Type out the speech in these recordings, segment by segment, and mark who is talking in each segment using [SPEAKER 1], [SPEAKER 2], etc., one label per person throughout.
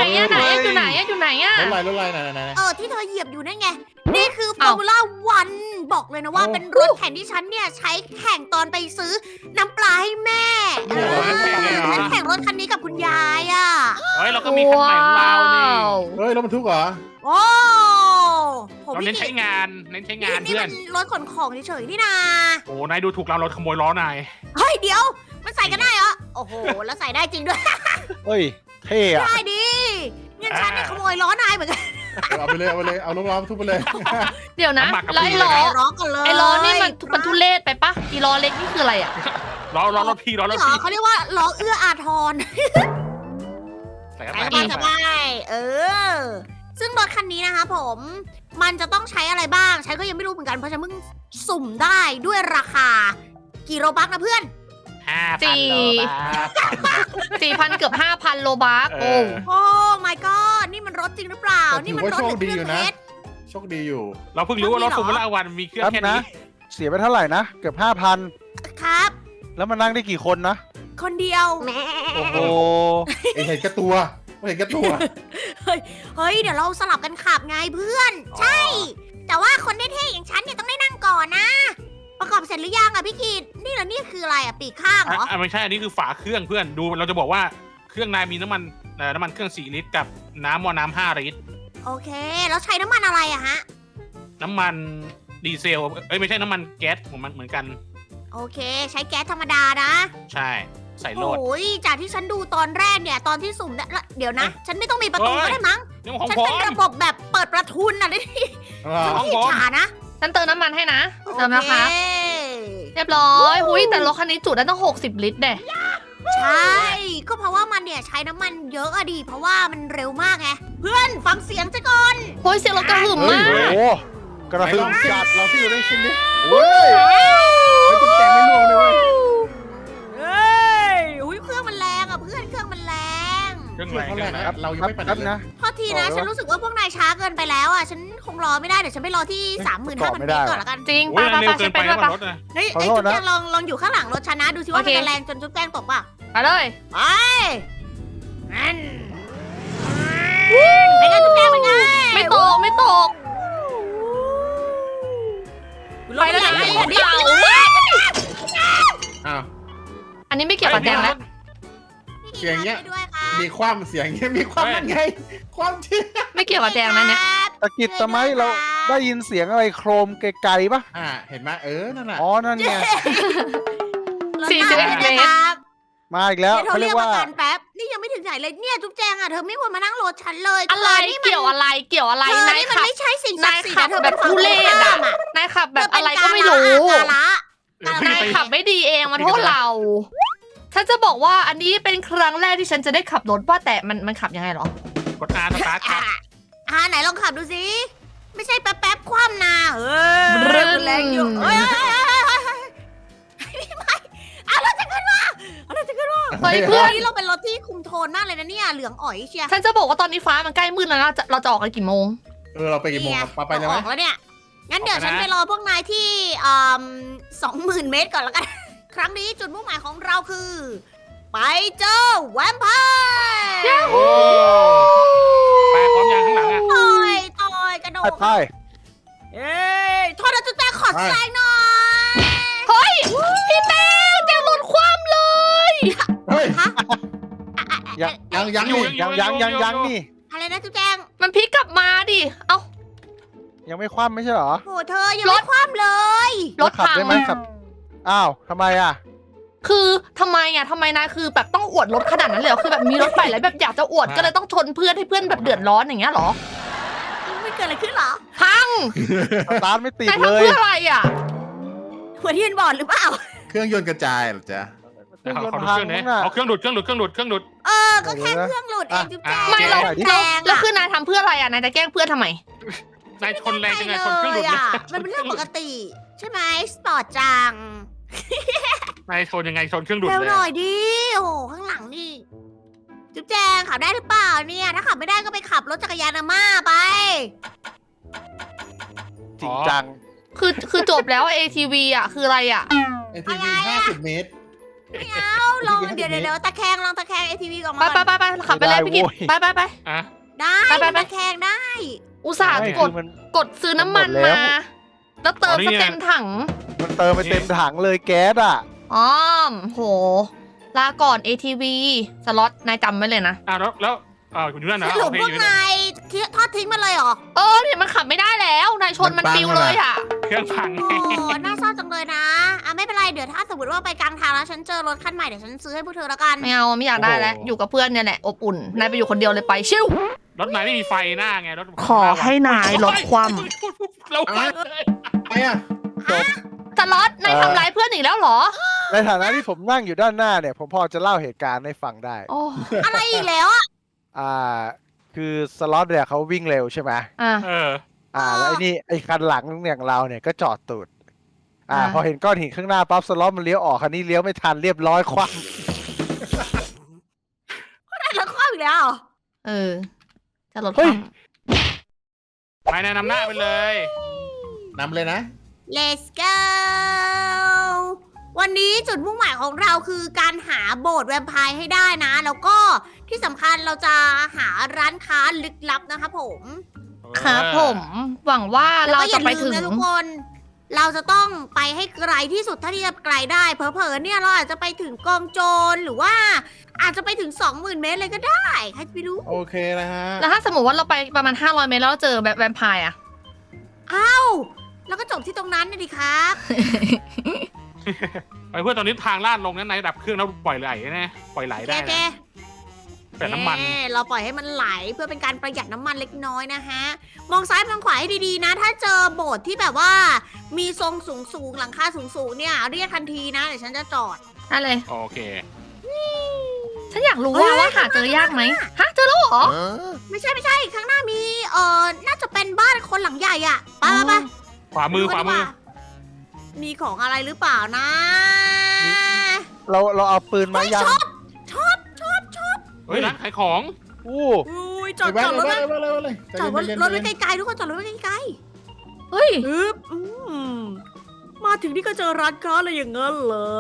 [SPEAKER 1] อะไหนอะอยู่ไหนอะอยู่ไหนอะ
[SPEAKER 2] รถอะไรไหน
[SPEAKER 3] ที่เธอเหยียบอยู่นั่นไง นี่คือฟอร์มูล่าวันบอกเลยนะว่าเป็นรถแข่งที่ฉันเนี่ยใช้แข่งตอนไปซื้อน้ำปลาให้แม่ฉันแข่งรถคันนี้กับคุณยายอ่ะ
[SPEAKER 4] เฮ้ยเราก็มีคันใหม่ของเรานี่
[SPEAKER 2] เฮ้ยรถบรรทุกเหรอ
[SPEAKER 3] โอ้ผม
[SPEAKER 4] เราเน้นใช้งาน
[SPEAKER 3] นี่
[SPEAKER 4] เพื่อ
[SPEAKER 3] มัน นรถขนของเฉยๆนี่นา
[SPEAKER 4] โอ้นายดูถูกเราขโมยล้อนาย
[SPEAKER 3] เฮ้ยเดี๋ยวมันใส่กันได้เหรอโอ้โหแล้วใส่ได้จริงด้วย
[SPEAKER 5] เฮ้ยเท่อะ
[SPEAKER 3] ได้ดิงั้นฉันเนี่ยขโมยล้อนายเหมือนกัน
[SPEAKER 2] เอาไปเลยเอารถบรรทุกไปเลย
[SPEAKER 1] เดี๋ยวนะ
[SPEAKER 4] น้ำหมักกับ
[SPEAKER 1] แล้วไอ้
[SPEAKER 4] ปี
[SPEAKER 1] ล้อ
[SPEAKER 3] ร้องกันเลย
[SPEAKER 1] ไอ้ล้อนี่มันทุเรศไปปะอีล้อเล็กนี่คืออะไรอะ
[SPEAKER 4] ล้อรถพี่ล้อรถ
[SPEAKER 3] เหรอ
[SPEAKER 4] พี่
[SPEAKER 3] เขาเรียกว่าล้อเอื้ออาทร
[SPEAKER 4] ใส่
[SPEAKER 3] ไป
[SPEAKER 4] เข้า
[SPEAKER 3] กัน
[SPEAKER 4] ไป
[SPEAKER 3] สบายซึ่งรถคันนี้นะคะผม มันจะต้องใช้อะไรบ้าง ฉันก็ยังไม่รู้เหมือนกัน เพราะฉันเพิ่งสุ่มได้ด้วยราคา กี่โรบักนะเพื่อน
[SPEAKER 4] 5,000 โลบาท
[SPEAKER 1] 4,000 เกือบ 5,000 โลบาร์ก
[SPEAKER 4] เอ
[SPEAKER 1] โอ้
[SPEAKER 4] อ
[SPEAKER 3] โอ้ my god นี่มันรถจริงหรือเปล่า นี่มันรถหรือเครื่องเพชร
[SPEAKER 2] โชคดีอยู่
[SPEAKER 4] เราเพิ่งรู้ว่ารถฟอร์มูล่าวันมีเครื่อง
[SPEAKER 5] ครับ
[SPEAKER 4] แค่
[SPEAKER 5] นะ
[SPEAKER 4] นี้
[SPEAKER 5] เสียไปเท่าไหร่นะเกือบ5,000
[SPEAKER 3] ครับ
[SPEAKER 5] แล้วมานั่งได้กี่คนนะ
[SPEAKER 3] คนเดียว
[SPEAKER 5] โอ้โห
[SPEAKER 2] เห็นแก่ตัวเห็นแก่ตัว
[SPEAKER 3] เฮ้ย เดี๋ยวเราสลับกันขับไงเพื่อน ใช่ แต่ว่าคนเท่ๆอย่างฉันเนี่ยต้องได้นั่งก่อนนะ ประกอบเสร็จหรือยังอะพี่กีดนี่เหรอนี่คืออะไรอะปีกข้างเหรอ
[SPEAKER 4] ไม่ใช่อันนี้คือฝาเครื่องเพื่อนดูเราจะบอกว่าเครื่องนายมีน้ำมันเครื่อง4 ลิตรกับน้ำ5 ลิตร
[SPEAKER 3] โอเค แล้วใช้น้ำมันอะไรอะฮะ
[SPEAKER 4] น้ำมันดีเซลไม่ใช่น้ำมันแก๊สของมันเหมือนกัน
[SPEAKER 3] โอเค ใช้แก๊สธรรมดานะ
[SPEAKER 4] ใช่ใส่โลด
[SPEAKER 3] โอ้ยจากที่ฉันดูตอนแรกเนี่ย ตอนที่สุ่มเนี่ยแล้วเดี๋ยวนะ ฉันไม่ต้องมีประตู
[SPEAKER 4] เฮ้ย
[SPEAKER 3] ก็ได้มั้ง
[SPEAKER 4] นี่มันของ
[SPEAKER 3] ฉัน
[SPEAKER 4] ผม
[SPEAKER 3] เป็นระบบแบบเปิดประทุนอ่ะนี่ ฉัน
[SPEAKER 4] ของ
[SPEAKER 3] ขี้
[SPEAKER 4] ผม
[SPEAKER 3] ฉานะ
[SPEAKER 1] ฉันเติมน้ำมันให้นะเติมนะคะ
[SPEAKER 3] โอเค
[SPEAKER 1] เรียบร้อยหุยแต่รถคันนี้จุได้ต้อง 60 ลิตรเด้
[SPEAKER 3] ใช่ ก็เพราะว่ามันเนี่ยใช้น้ำมันเยอะอะดิ เพราะว่ามันเร็วมากไง เพื่อนฟังเสียงซะก่อน
[SPEAKER 1] โอ้ยเสียงรถกระหึ่ม
[SPEAKER 2] เฮ้
[SPEAKER 1] มาย ก
[SPEAKER 5] โอ้โหกระ
[SPEAKER 2] ไหน
[SPEAKER 5] หึ่
[SPEAKER 2] ลอ
[SPEAKER 5] ม
[SPEAKER 2] งสิ
[SPEAKER 5] จัด
[SPEAKER 2] เราที่อยู่ได้ชิมดิเฮ้ยจุ๊บแจงไม่ล่วงเลยเว้ย
[SPEAKER 3] เฮ้ยอุ้ยเครื่องมันแรงอะเพื่อนเครื่องมันแรง
[SPEAKER 4] เครื่อง
[SPEAKER 2] เค
[SPEAKER 4] แร
[SPEAKER 2] รื่อง
[SPEAKER 4] ง
[SPEAKER 2] เขาแรงนะเรายังไม่ไปไหน
[SPEAKER 5] ครับ
[SPEAKER 2] เลย
[SPEAKER 5] นะ
[SPEAKER 3] โทษทีนะ ฉันรู้สึกว่าพวกนายช้าเกินไปแล้วอะฉันคงรอไม่ได้ เดี๋ยวฉันไปรอที่ 35,000
[SPEAKER 5] ไม่
[SPEAKER 3] เม
[SPEAKER 5] ได้
[SPEAKER 3] ตรก่อนละกัน
[SPEAKER 1] จริง
[SPEAKER 4] โอ้
[SPEAKER 1] ไป
[SPEAKER 4] ย
[SPEAKER 1] ไป
[SPEAKER 4] เร็
[SPEAKER 1] ไป
[SPEAKER 4] วเกิ
[SPEAKER 1] ฉั
[SPEAKER 4] น
[SPEAKER 1] น
[SPEAKER 4] ไป
[SPEAKER 1] ไปด้วย
[SPEAKER 4] นะ
[SPEAKER 1] ปะ
[SPEAKER 4] รถนะ
[SPEAKER 3] เฮ้ย
[SPEAKER 5] ขอ
[SPEAKER 3] ไอ้
[SPEAKER 5] โทษ
[SPEAKER 3] จุ๊บ
[SPEAKER 5] นะ
[SPEAKER 3] แจงลองอยู่ข้างหลังรถฉันนะ ดูซิว่า
[SPEAKER 1] โอ
[SPEAKER 3] มัน
[SPEAKER 1] เค
[SPEAKER 3] จะแรงจนจุ๊บแจงตกเปล่ะ
[SPEAKER 1] ไปเลย
[SPEAKER 3] ไปนั่นเป็นไงจุ๊บแจงเป็นไง
[SPEAKER 1] ไม่ตกไม่ตก ไปแล้วนะ
[SPEAKER 3] รถ
[SPEAKER 1] ร
[SPEAKER 3] ใหญ่
[SPEAKER 1] ถ
[SPEAKER 3] เดี๋ยว
[SPEAKER 1] เก่า
[SPEAKER 2] อ้าว
[SPEAKER 1] อันนี้ไม่เกี่ยวกับแจงแล้ว
[SPEAKER 2] เสียงเงี้ย
[SPEAKER 3] ด้วยค่ะ
[SPEAKER 2] มีความเสียงเงี้ยมีความนั่นไง ความที่
[SPEAKER 1] ไม่เกี่ยวกับแจงนะเนี่ย
[SPEAKER 5] ตะกิดตะไมเราได้ยินเสียงอะไรโครมไกลๆปะ
[SPEAKER 2] เห็นไหมนั่นน่ะ
[SPEAKER 5] อ๋อนั่นไง
[SPEAKER 1] 41 เมตร
[SPEAKER 5] มาอีกแล้ว
[SPEAKER 3] เดี๋ยว
[SPEAKER 5] เขา
[SPEAKER 3] เรี
[SPEAKER 5] เรี
[SPEAKER 3] ย
[SPEAKER 5] ย
[SPEAKER 3] ก
[SPEAKER 5] ก
[SPEAKER 3] ว่า
[SPEAKER 5] ว่า
[SPEAKER 3] การแป๊บ นี่ยังไม่ถึงไหนเลย เนี่ยจุ๊บแจงอ่ะ เธอไม่ควรมานั่งรถฉันเลย
[SPEAKER 1] อะไรเกี่ยวอะไรเกี่ยวอะไร
[SPEAKER 3] เธอ
[SPEAKER 1] นาย
[SPEAKER 3] นี่มัน
[SPEAKER 1] ขับ
[SPEAKER 3] ไม่ใช่สิ่งศักดิ์สิทธิ์
[SPEAKER 1] นายขับ
[SPEAKER 3] เธอ
[SPEAKER 1] แบบทุเรศอะ
[SPEAKER 3] อ่ะ
[SPEAKER 1] นายขับแบบอะไร
[SPEAKER 3] เธ
[SPEAKER 1] ก็
[SPEAKER 3] เป็น
[SPEAKER 1] ไม่รู้
[SPEAKER 3] กาละ
[SPEAKER 1] นายขับไม่ดีเองมาโทษเรา ฉันจะบอกว่าอันนี้เป็นครั้งแรกที่ฉันจะได้ขับรถว่าแต่มันขับยังไงเหรอ
[SPEAKER 4] กด R สตาร์ทครับ
[SPEAKER 3] ไหนลองขับดูสิ ไม่ใช่แป๊บๆคว่ำนาเฮ้ย
[SPEAKER 1] บรึ้น
[SPEAKER 3] แรงอยู่เฮ้ยไม่เอารถจะขึ้นมาเอารถจะขึ้นมา
[SPEAKER 1] เฮ้ยเพื่อน
[SPEAKER 3] นี่เราเป็นรถที่คุมโทนมากเลยนะเนี่ย เหลืองอ๋อยเชียร์
[SPEAKER 1] ฉันจะบอกว่าตอนนี้ฟ้ามันใกล้มืดแล้วนะเราจะออกกันกี่โมง
[SPEAKER 2] เราไปกี่โมงครับไปเลยไหม
[SPEAKER 3] ออกแล้วเนี่ย งั้นเดี๋ยวฉันไปรอพวกนายที่20,000 เมตรก่อนแล้วกัน ครั้งนี้จุดมุ่งหมายของเราคือ ไปเจอแวมไพร์
[SPEAKER 4] โอ้ไปพร้อมยังข้างหลังอ่ะ
[SPEAKER 3] ต่อยกระโด
[SPEAKER 5] ไป
[SPEAKER 3] ด
[SPEAKER 5] ไป
[SPEAKER 3] เอ้ยโทษนะจุ๊บแจงขอแซงหน่อย
[SPEAKER 1] เฮ้ยพี่แป้งแจงรถคว่ำเลย
[SPEAKER 2] เฮ้ย
[SPEAKER 3] ฮะ
[SPEAKER 2] ยัง
[SPEAKER 4] อยู่
[SPEAKER 2] นี่
[SPEAKER 5] ยังนี่
[SPEAKER 3] อะไรนะจุ๊บแจง
[SPEAKER 1] มันพลิกกลับมาดิเอ้า
[SPEAKER 5] ยังไม่คว่ำไม่ใช่เหรอ
[SPEAKER 3] โหเธอยังไม่คว่ำเลย
[SPEAKER 1] รถ
[SPEAKER 5] ขับ
[SPEAKER 1] พัง
[SPEAKER 5] ได้ไหมขับอ้าวทำไมอ่ะ
[SPEAKER 1] คือทำไมนายคือแบบต้องอวดรถขนาดนั้นเลยเหรอคือแบบมีรถไปแล้วแบบอยากจะอวดก็เลยต้องชนเพื่อนให้เพื่อนแบบเดือดร้อนอย่างเงี้ยเหรอ
[SPEAKER 3] ไม่เกิดอะไรขึ้นเหรอ
[SPEAKER 1] พัง
[SPEAKER 5] สตาร์ทไม่ติด
[SPEAKER 1] นาย
[SPEAKER 5] เล
[SPEAKER 1] ทำ
[SPEAKER 5] ย
[SPEAKER 1] เพื่ออะไรอ่ะ
[SPEAKER 3] หัวที่ยืนบอดหรือเปล่า
[SPEAKER 2] เครื่องยนต์กระจายเหรอจ๊ะ
[SPEAKER 5] เครื่องยน
[SPEAKER 4] ขอ
[SPEAKER 5] ต์
[SPEAKER 4] ดู
[SPEAKER 5] พั
[SPEAKER 4] เค
[SPEAKER 5] ง
[SPEAKER 4] รื่องนี้
[SPEAKER 5] น่ะ
[SPEAKER 4] เอาเครื่องดูดเครื่องดูด
[SPEAKER 3] ก็แค่เครื่องหลุดเองจุ๊บแจง
[SPEAKER 1] ไม่เรา
[SPEAKER 5] ใส่ดิ
[SPEAKER 3] แร
[SPEAKER 1] เรา
[SPEAKER 3] ง
[SPEAKER 1] แล้ว
[SPEAKER 3] อะ
[SPEAKER 1] คือนายทำเพื่ออะไรอ่ะนายจะแกล้งเพื่อนทำไม
[SPEAKER 4] นายชนแรงจังไงชนเครื่องดูด
[SPEAKER 3] อะมันเป็นเรื่องปกติ ใช่ไหมสปอร์ตจัง
[SPEAKER 4] นายชนยังไงชนเครื่องดูด
[SPEAKER 3] เร็ว
[SPEAKER 4] เลย
[SPEAKER 3] หน่อยดิ โอ้โห ข้างหลังนี่ จุ๊บแจงขับได้หรือเปล่าเนี่ย ถ้าขับไม่ได้ก็ไปขับรถจักรยานอาม่าไป
[SPEAKER 5] จริงจัง
[SPEAKER 1] คือจบแล้ว ATV อ่ะคืออะไรอ่ะ
[SPEAKER 2] ATV 50 เมตร
[SPEAKER 3] ไม่เอาลองเดี๋ยวตะแคงลองตะแคง ATV ออก
[SPEAKER 1] ไป
[SPEAKER 3] มาก่อน
[SPEAKER 1] ไปขับไปเลยพี่กิตไป
[SPEAKER 4] อ่ะ
[SPEAKER 3] ได้
[SPEAKER 1] ไป
[SPEAKER 3] ตะแคงได้
[SPEAKER 1] อุตส่าห์
[SPEAKER 5] ไม่
[SPEAKER 1] ก
[SPEAKER 5] คื
[SPEAKER 1] ด
[SPEAKER 5] อมัน
[SPEAKER 1] กดซื้อน้ำมัน
[SPEAKER 5] หมดแล้
[SPEAKER 1] มาว แล้วเติมก็เต็มถัง
[SPEAKER 5] มันเติมไปเต็มถังเลยแก๊สอ่ะ
[SPEAKER 1] อ๋อโห ลาก่อน ATV สล็อตนายจำไว้เลยนะ
[SPEAKER 4] แล้วคุณอยู่นั่นนะ
[SPEAKER 3] สรุ
[SPEAKER 4] โอ
[SPEAKER 3] ป
[SPEAKER 4] เค
[SPEAKER 3] พวก
[SPEAKER 4] อยู่นั่น
[SPEAKER 3] นายทอดทิ้งมันเลยเหรอ
[SPEAKER 1] เนี่ยมันขับไม่ได้แล้ว นายชนมันปิวเลยอ่ะ
[SPEAKER 4] เครื่องพัง
[SPEAKER 3] โอ้น่าเศร้าจังเลยนะไม่เป็นไรเดี๋ยวถ้าสมมติว่าไปกลางทางแล้วฉันเจอรถคันใหม่เดี๋ยวฉันซื้อให้พวกเธอแล้วกัน
[SPEAKER 1] ไม่เอาไม่อยากได้แล้ว อยู่กับเพื่อนเนี่ยแหละ อบอุ่น นายไปอยู่คนเดียวเลยไป ชิว
[SPEAKER 4] รถนายไม่มีไฟหน้าไงรถ
[SPEAKER 1] ขอให้นายลดความ
[SPEAKER 4] เราไปเลย
[SPEAKER 2] ไปอ่ะ
[SPEAKER 1] สล็อตนายทำร้ายเพื่อนอีกแล้วเหรอ
[SPEAKER 5] ในฐานะที่ผมนั่งอยู่ด้านหน้าเนี่ย ผมพอจะเล่าเหตุการณ์ให้ฟังได้
[SPEAKER 1] โอ้
[SPEAKER 3] อะไรอีกแล้วอ่ะ
[SPEAKER 5] คือสล็อตเนี่ยเขาวิ่งเร็วใช่ไหม
[SPEAKER 1] อ่ะ
[SPEAKER 5] แล้วไอ้คันหลังอย่างเราเนี่ยก็จอดตูด
[SPEAKER 1] อ่า
[SPEAKER 5] พอเห็นก้อนหินข้างหน้าปั๊บสล็อตมันเลี้ยวออกคันนี้เลี้ยวไม่ทันเรียบร้อยคว่
[SPEAKER 3] แล้วข้ออีกแล้วเหรอ
[SPEAKER 1] จะลดความ
[SPEAKER 4] ไปแนะนำหน้าไปเลย
[SPEAKER 2] นำเลยนะ
[SPEAKER 3] Let's go วันนี้จุดมุ่งหมายของเราคือการหาโบสถ์แวมไพร์ให้ได้นะ แล้วก็ที่สำคัญเราจะหาร้านค้าลึกลับนะคะผม
[SPEAKER 1] ครับผม หวังว่าเราจะไปถึง
[SPEAKER 3] แล้วก็อย่าลืมนะทุกคน เราจะต้องไปให้ไกลที่สุดเท่าที่จะไกลได้ เผลอๆเนี่ยเราอาจจะไปถึงกองโจรหรือว่าอาจจะไปถึง 20,000 เมตรเลยก็ได้ใครจะไปรู้
[SPEAKER 2] โอเคนะฮะ
[SPEAKER 1] แล้วถ้าสมมติว่าเราไปประมาณ 500 เมตรแล้วเราเจอแบบแวมไพร์อะ
[SPEAKER 3] อ้าวแล้วก็จบที่ตรงนั้นนะดิครับ
[SPEAKER 4] ไปเพื่อนตอนนี้ทางลาดลงนั้นนายดับเครื่องแล้วปล่อยไหลนะปล่อยไหลได้
[SPEAKER 3] โอเค
[SPEAKER 4] นะแต่น้ำมัน
[SPEAKER 3] เราปล่อยให้มันไหลเพื่อเป็นการประหยัดน้ำมันเล็กน้อยนะฮะ มองซ้ายมองขวาให้ดีๆนะ ถ้าเจอโบสถ์ที่แบบว่า มีทรงสูงๆหลังคาสูงๆเนี่ยเรียกทันทีนะเดี๋ยวฉันจะจอด
[SPEAKER 1] ได้เลย
[SPEAKER 4] โอเค
[SPEAKER 1] ฉันอยากรู้ว่าหาเจอยากไหมฮะเจอแล้วเหรอ
[SPEAKER 3] ไม่ใช่ข้างหน้ามีน่าจะเป็นบ้านคนหลังใหญ่อะไป
[SPEAKER 4] ขวามือ
[SPEAKER 3] มีของอะไรหรือเปล่านะ
[SPEAKER 5] เราเอาปืนมายัง
[SPEAKER 3] ชอบ
[SPEAKER 4] เฮ้ยร้านขายของ
[SPEAKER 5] อู้
[SPEAKER 3] อุ้ยจอด
[SPEAKER 2] ไป
[SPEAKER 3] รถ
[SPEAKER 2] เลย
[SPEAKER 3] ไว้
[SPEAKER 2] เลย
[SPEAKER 3] จอดรถไว้ไกลๆทุกคนจอดรถไว้ไกล
[SPEAKER 1] เฮ้ย
[SPEAKER 3] ๆอึ๊บมาถึงนี่ก็เจอร้านค้าเลยอย่างงั้นเหรอ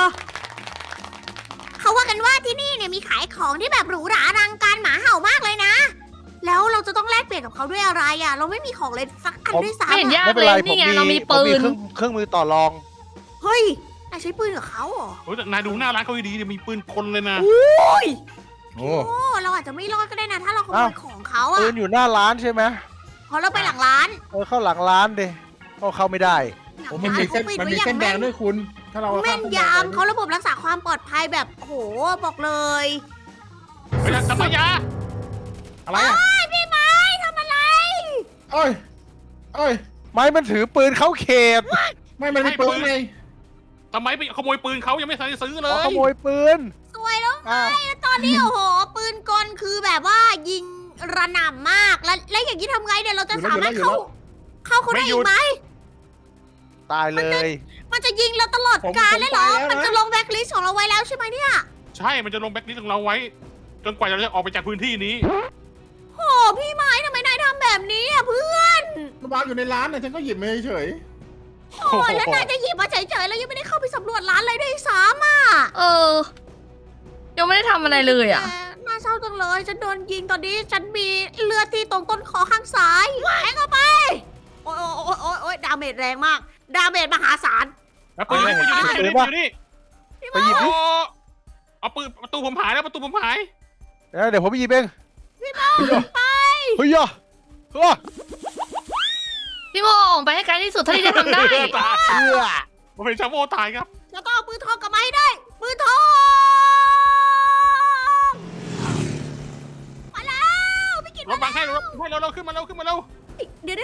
[SPEAKER 3] เขาว่ากันว่าที่นี่เนี่ยมีขายของที่แบบหรูหราอลังการหมาเห่ามากเลยนะ แล้วเราจะต้องแลกเปลี่ยนกับเขาด้วยอะไรอ่ะ เราไม่มีของเลยสักอันด้วยซ้ำ
[SPEAKER 1] ไม่เห็น
[SPEAKER 3] อะ
[SPEAKER 1] ยาก
[SPEAKER 5] ไม่เป็น
[SPEAKER 1] เล
[SPEAKER 5] ไร
[SPEAKER 1] ย
[SPEAKER 5] ผม
[SPEAKER 1] นี่ไง
[SPEAKER 5] มี
[SPEAKER 1] เรามี
[SPEAKER 5] ผม
[SPEAKER 1] ปื
[SPEAKER 5] มี
[SPEAKER 1] น
[SPEAKER 5] เครื่องมือต่อรอง
[SPEAKER 3] เฮ้ยนายใช้ปืนกับเขาเหรอ
[SPEAKER 4] โอ้ยแต่นายดูหน้าร้านเขาดีๆเดี๋ยวมีปืนคนเลยนะ
[SPEAKER 3] โอ้ย
[SPEAKER 2] โอ้
[SPEAKER 3] โอ้เราอาจจะไม่รอดก็ได้นะ ถ้าเราขโม
[SPEAKER 5] อ้าว
[SPEAKER 3] ยของเขา
[SPEAKER 5] ปื
[SPEAKER 3] อะ
[SPEAKER 5] นอยู่หน้าร้านใช่ไหม
[SPEAKER 3] พอเราไปหลังร้าน
[SPEAKER 5] เข้าหลังร้านดิเข้าไม่ได้
[SPEAKER 3] หลั
[SPEAKER 2] โอ้
[SPEAKER 3] ง
[SPEAKER 2] มัน
[SPEAKER 3] ร้าน
[SPEAKER 2] มีเส้น
[SPEAKER 3] เขาปิด
[SPEAKER 2] มัน
[SPEAKER 3] ไว้
[SPEAKER 2] มี
[SPEAKER 3] อย่า
[SPEAKER 2] เส้น
[SPEAKER 3] ง
[SPEAKER 2] แด
[SPEAKER 3] แม่
[SPEAKER 2] ง
[SPEAKER 3] น
[SPEAKER 2] ด้วยคุณ ถ้าเรา
[SPEAKER 3] แม่นยำเขาระบบรักษาความปลอดภัยแบบโอ้โหบอกเลย
[SPEAKER 4] เฮ้ยสัมปยา
[SPEAKER 2] อะไรอ่ะ
[SPEAKER 3] พี่ไม้ทำอะไร
[SPEAKER 2] เอ้ยเอ้ย
[SPEAKER 5] ไม้มันถือปืนเข้าเขต
[SPEAKER 2] ไม่มันมีปืนไง
[SPEAKER 4] ทำไมไปขโมยปืนเขายังไม่ทันได้ซื้อเล
[SPEAKER 5] ข
[SPEAKER 4] ย
[SPEAKER 5] โมยปืน
[SPEAKER 3] สวยแล้วไง
[SPEAKER 5] อ้าว
[SPEAKER 3] แล้วตอนนี้โอ้โห ปืนกลคือแบบว่ายิงระหน่ำมากแล้วอย่างนี้ทำไงเนี่ยเราจะสามารถเข้าเขาได้อีกไหม
[SPEAKER 5] ตายเลย
[SPEAKER 3] มันจะยิงเราตลอดกาลเลยเหรอ มันจะลงแบ็คลิสต์ของเราไว้แล้วใช่ไหมเนี่ย
[SPEAKER 4] ใช่ มันจะลงแบ็คลิสต์ของเราไว้ จนกว่าเราจะออกไปจากพื้นที่นี้
[SPEAKER 3] โอ้พี่ไม้ทำไมนายทำแบบนี้อ่ะเพื่อน
[SPEAKER 2] มันวางอยู่ในร้านเนี่ยฉันก็หยิบมาเฉย
[SPEAKER 3] โอ้ยแล้วนายจะหยิบมาเฉยๆแล้วยังไม่ได้เข้าไปสำรวจร้านเลยด้วยซ้ำอ่ะ
[SPEAKER 1] ยังไม่ได้ทำอะไรเลยอ่ะ
[SPEAKER 3] แต่น่าเศร้าจังเลย ฉันโดนยิงตอนนี้ฉันมีเลือดที่ตรงต้นคอข้างซ้ายแทงเข้าไป โอ้ยโอ้ยดาเมจแรงมาก ดาเมจมหาศาล
[SPEAKER 4] แล้วปืนอยู่นี่อยู่นี่อยู่นี่
[SPEAKER 5] ไปหยิบดิ
[SPEAKER 4] เอาปืนประตูผมหายแล้วประตูผมหาย
[SPEAKER 5] เดี๋ยวผมไปหยิบเอง
[SPEAKER 3] พี่โมไป
[SPEAKER 5] เฮ้ยอ่ะ
[SPEAKER 1] พี่โมออกไปให้ไกลที่สุดเท่าที่จะทำได้
[SPEAKER 4] ตาย
[SPEAKER 5] เอื้อ
[SPEAKER 4] ผมเป็นชาโมตายครับ
[SPEAKER 3] แล้วก็เอาปืนทองกลับมาให้ได้ ปืนทองมาแล้วพี่กิต
[SPEAKER 4] รถบังให้เราขึ้นมาเร็ว
[SPEAKER 3] เดี๋ยว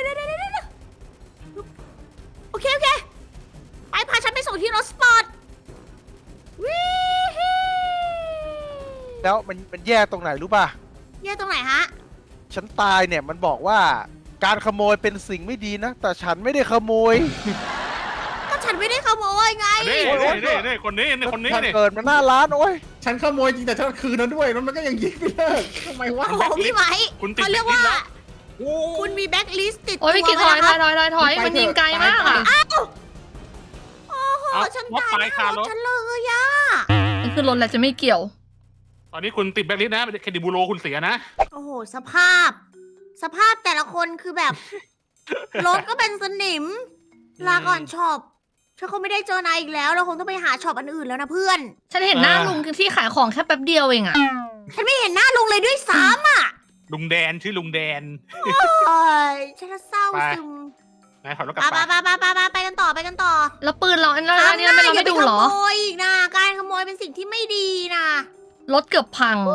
[SPEAKER 3] โอเคไปพาฉันไปส่งที่รถสปอร์ตวิฮิ
[SPEAKER 5] แล้วมันแย่ตรงไหนรู้ป่ะ
[SPEAKER 3] แย่ตรงไหนฮะ
[SPEAKER 5] ฉันตายเนี่ยมันบอกว่าการขโมยเป็นสิ่งไม่ดีนะ แต่ฉันไม่ได้ขโมย
[SPEAKER 3] ก็ฉันไม่ได้ขโมยไง
[SPEAKER 4] นี่คนนี้
[SPEAKER 5] ฉัน
[SPEAKER 4] นี่
[SPEAKER 5] เกิดมาหน้าร้านโอ้ย
[SPEAKER 2] ๆฉันขโมยจริงแต่ฉันคืนนั้นด้วยแล้วมันก็ยังยิงไม่เลิกทำไมวะ
[SPEAKER 3] โอ้โหพี่ไหม
[SPEAKER 4] คุณติด
[SPEAKER 3] เขาเรียกว่า
[SPEAKER 4] โอ้
[SPEAKER 3] คุณมีแบ็คลิสต์ติด
[SPEAKER 1] โอ้ยพี่กิตถอยมันยิงไกลมากอ่ะ
[SPEAKER 3] โอ้โหฉันตายในรถฉันเลยอะ
[SPEAKER 1] นี่คือรถแล้วจะไม่เกี่ยว
[SPEAKER 4] ตอนนี้คุณติดแบล็คลิสต์นะเครดิตบูโรคุณเสียนะ
[SPEAKER 3] โอ้โหสภาพแต่ละคนคือแบบ รถก็เป็นสนิม ลาก่อนช็อปฉันคงไม่ได้เจอนายอีกแล้วเราคงต้องไปหาช็อปอันอื่นแล้วนะเพื่อน
[SPEAKER 1] ฉันเห็นหน้าลุงที่ขายของแค่แป๊บเดียวเองอะ
[SPEAKER 3] ฉันไม่เห็นหน้าลุงเลยด้วยซ้ำอ่ะ
[SPEAKER 4] ลุงแดนชื่อลุงแดน
[SPEAKER 3] โอ้ยฉันเศร้าซึม
[SPEAKER 4] นายถอยรถกลับ
[SPEAKER 3] ไป
[SPEAKER 4] ไป
[SPEAKER 3] ไปกันต่อ
[SPEAKER 1] แล้วปืนเราอันนั้นนี่เราไม่ดูเหรอ
[SPEAKER 3] ขโมยอีกนะการขโมยเป็นสิ่งที่ไม่ดีนะ
[SPEAKER 1] รถเกือบพัง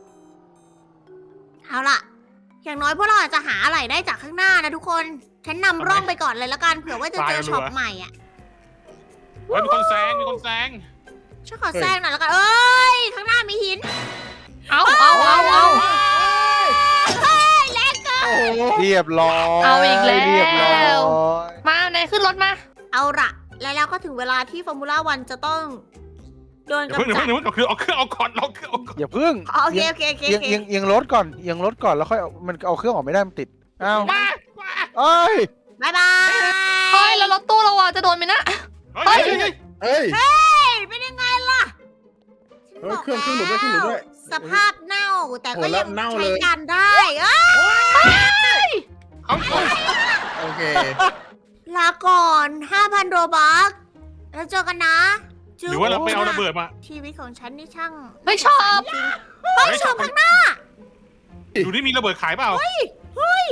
[SPEAKER 3] เอาล่ะ อย่างน้อยพวกเราอาจจะหาอะไรได้จากข้างหน้านะทุกคน ฉันนำร่องไปก่อนเลยละกันเผื่อว่าจะเจอช็อปใหม่อ่ะ
[SPEAKER 4] เฮ้ยมีคนแซง
[SPEAKER 3] ฉันขอแซงหน่อยละกัน เอ้ย ข้างหน้ามีหิน
[SPEAKER 1] เอา
[SPEAKER 3] เฮ้ยแรงเกิน
[SPEAKER 2] โอ้โห
[SPEAKER 5] เรียบร้อย
[SPEAKER 1] เอาอีกแล้ว
[SPEAKER 5] เรียบร้อย
[SPEAKER 1] มานายขึ้นรถมา
[SPEAKER 3] เอาล่ะ แล้วก็ถึงเวลาที่ฟอร์มูล่าวันจะต้องโดน
[SPEAKER 4] เดี๋ยว
[SPEAKER 3] กำ
[SPEAKER 4] เพิ่ง
[SPEAKER 3] จัด
[SPEAKER 4] เอาเครื่องเอาก่อนเอาเครื่องเอาก่อน
[SPEAKER 5] อย่าพึ่ง
[SPEAKER 3] โอเคโอเค
[SPEAKER 5] เอียงรถก่อนเอียงรถก่อนแล้วค่อยเอามันเอาเครื่องออกไม่ได้มันติดอ้าว
[SPEAKER 4] มา
[SPEAKER 5] เอ้ย
[SPEAKER 3] บายบาย
[SPEAKER 1] เฮ้ยแล้วรถตู้เราอะจะโดนไหมนะ
[SPEAKER 4] เฮ้ย
[SPEAKER 2] เฮ้ย
[SPEAKER 3] เฮ้ยเป็นยังไงล่ะ
[SPEAKER 2] เฮ้ยเครื่องหลุดด้วยเครื่องหลุดด้วย
[SPEAKER 3] สภาพเน่าแต่ก็
[SPEAKER 2] โอ้แล้
[SPEAKER 3] ยั
[SPEAKER 2] ว
[SPEAKER 3] ง
[SPEAKER 2] เน่า
[SPEAKER 3] ใช้
[SPEAKER 2] เลย
[SPEAKER 3] การได้เอ้ย
[SPEAKER 4] เขา
[SPEAKER 2] โอเค
[SPEAKER 3] ลาก่อน 5,000 โรบัคแล้วเจอกันนะ
[SPEAKER 4] หรือว่าเราไปเอาระเบิดมา
[SPEAKER 3] ชีวิตของฉันนี่ช่าง
[SPEAKER 1] ไม่ชอบ
[SPEAKER 3] เฮ้ยชมข้างหน้า
[SPEAKER 4] ดูนี่มีระเบิดขายเปล่า
[SPEAKER 3] เฮ้ย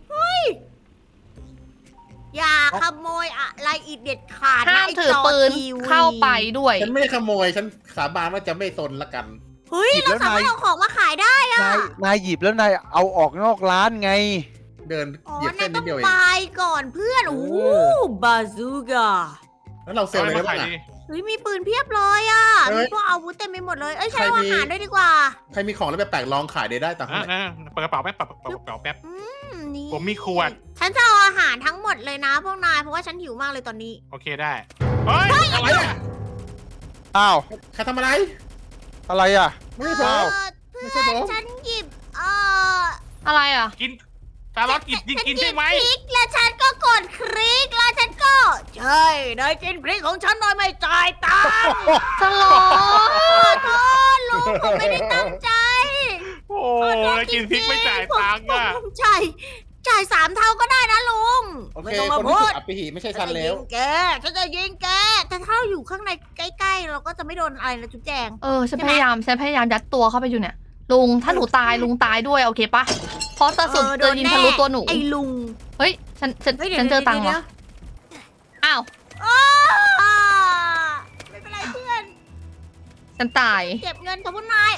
[SPEAKER 3] อย่าขโมยอะไรอีกเด็ดขาดนะ
[SPEAKER 1] ห้าม
[SPEAKER 3] ไอ้
[SPEAKER 1] ถือ
[SPEAKER 3] จ
[SPEAKER 1] ปืน
[SPEAKER 3] ทีวี
[SPEAKER 1] เข้าไปด้วย
[SPEAKER 2] ฉันไม่ได้ขโมย ฉันสาบานว่าจะไม่สนละกัน
[SPEAKER 3] เฮ้ยเราสามารถเอาของมาขายได้อะ
[SPEAKER 5] นายหยิบแล้วนายเอาออกนอกร้านไง
[SPEAKER 2] เดิน
[SPEAKER 3] อ๋อ
[SPEAKER 2] เหยียบ
[SPEAKER 3] นา
[SPEAKER 2] เส้
[SPEAKER 3] ย
[SPEAKER 2] น
[SPEAKER 3] ต้
[SPEAKER 2] นิ
[SPEAKER 3] อ
[SPEAKER 2] ด
[SPEAKER 3] ง
[SPEAKER 2] เดียวเอง
[SPEAKER 3] ไปก่อนเพื่อน โอ้บาซูก้า
[SPEAKER 2] แล้วเราเซลล์อะไรได้บ้างอะ
[SPEAKER 3] เฮ้ยมีปืนเพียบเลยอ่ะ
[SPEAKER 2] เฮ้
[SPEAKER 3] มี
[SPEAKER 2] ย
[SPEAKER 3] พวกอาวุธเต็มไปหมดเลย เอ้ย
[SPEAKER 2] ใคร
[SPEAKER 3] ใช้เอา
[SPEAKER 2] มี
[SPEAKER 3] อาหารด้วยดีกว่า
[SPEAKER 2] ใครมีของแล้วแบบแปลกๆลองขายได้ต่างหาก
[SPEAKER 4] เปิดกระเป๋าแป๊บเปิดกระเป๋าแป๊บ
[SPEAKER 3] นี่
[SPEAKER 4] ผมมีขวด
[SPEAKER 3] ฉันจะเอาอาหารทั้งหมดเลยนะพวกนาย เพราะว่าฉันหิวมากเลยตอนนี้
[SPEAKER 4] โอเคได้ เฮ้ย
[SPEAKER 2] อะไรอะ
[SPEAKER 5] อ้าว
[SPEAKER 2] ใครทำอะไร
[SPEAKER 5] อะไรอ่ะ
[SPEAKER 2] ไม่ใช่ผม
[SPEAKER 3] เพื่
[SPEAKER 2] ไม่ใช่
[SPEAKER 3] อน
[SPEAKER 2] ผม
[SPEAKER 3] ฉันหยิบ
[SPEAKER 1] อะไรอะ
[SPEAKER 4] กินตาล็อตกินใช่ไหม
[SPEAKER 3] ฉันยิบพริกแล้วฉันก็กดคลิกแล้วฉันก็ ใช่นายกินพริกของฉันโดยไม่จ่ายตังค์
[SPEAKER 1] สลอ
[SPEAKER 3] ขอโทษลุงผมไม่ได้ตั้งใจ
[SPEAKER 4] โอ้แล้วกินพริกไม่จ่ายตังค์อ่ะ
[SPEAKER 3] ผมจ่าย3 เท่าก็ได้นะลุง
[SPEAKER 2] โอ
[SPEAKER 3] ไม่
[SPEAKER 2] เค
[SPEAKER 3] ต้องมา
[SPEAKER 2] คน
[SPEAKER 3] พู
[SPEAKER 2] ที่ถู
[SPEAKER 3] ด
[SPEAKER 2] กอับปีหีไม่ใช่
[SPEAKER 3] ฉั
[SPEAKER 2] ฉั
[SPEAKER 3] น
[SPEAKER 2] น
[SPEAKER 3] จะ
[SPEAKER 2] แล้
[SPEAKER 3] ยิ
[SPEAKER 2] ว
[SPEAKER 3] งแกฉันจะยิงแก แต่ถ้าเราอยู่ข้างในใกล้ๆ เราก็จะไม่โดนอะไรนะจุ๊บแจง
[SPEAKER 1] ฉันพยายามยัดตัวเข้าไปอยู่เนี่ย ลุงถ้าหนูตายลุงตายด้วยโอเคปะเพราะกระสุนจะยิงทะลุตัวหนู
[SPEAKER 3] ไอ้ลุง
[SPEAKER 1] เฮ้ยฉัน
[SPEAKER 3] ฮ้ยดี๋ยว
[SPEAKER 1] เจอตังค์
[SPEAKER 3] ดี๋
[SPEAKER 1] วะ
[SPEAKER 3] ยว
[SPEAKER 1] อ้าว
[SPEAKER 3] อ้าไม่เป็นไรเพื่อน
[SPEAKER 1] ฉันตาย
[SPEAKER 3] เก็บเงินของพวกนาย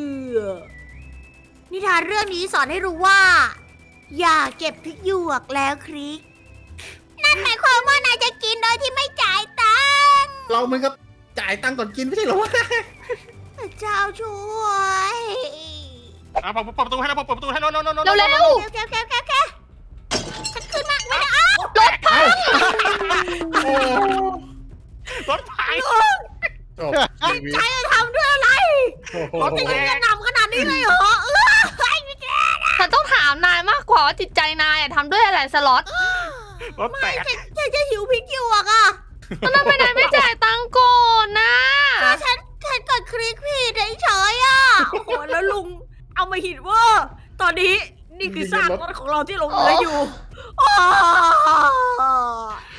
[SPEAKER 3] นิทานเรื่องนี้สอนให้รู้ว่า อย่าเก็บพริกหยวกแล้วคริก นั่นหมายความว่านายจะกินโดยที่ไม่จ่ายตังค์
[SPEAKER 2] เรามันก็จ่ายตังค์ก่อนกินไม่ใช่เหรอวะ
[SPEAKER 3] พระเจ้าช่วย
[SPEAKER 4] เปิดประตูให้แล้วเปิดประตูให้แล้ว
[SPEAKER 1] เร็ว
[SPEAKER 3] โอเคฉันขึ้นมาไม่ได้
[SPEAKER 1] รถพัง
[SPEAKER 2] โอ้
[SPEAKER 4] รถพัง
[SPEAKER 2] จบชีวิต
[SPEAKER 3] ใจจะทำด้วยอะไร
[SPEAKER 2] โอ้โห
[SPEAKER 3] รถจะยิงกระหน่ำขนาดนี้เลยเหรอไม่แก
[SPEAKER 1] ฉันต้องถามนายมากกว่าว่าจิตใจนายอะทำด้วยอะไรสล็อต
[SPEAKER 4] รถแตก
[SPEAKER 3] ฉันจะหิวพริกหยวกอ่ะ
[SPEAKER 1] แล้วทำไมนายไม่จ่ายตังค์ก่อนนะ
[SPEAKER 3] ฉันกดคลิกผิดเฉยๆอ่ะโอ้โหแล้วลุงเอามาหินว่าตอนนี้นี่คือซากรถของเราที่ลงเหลืออยู่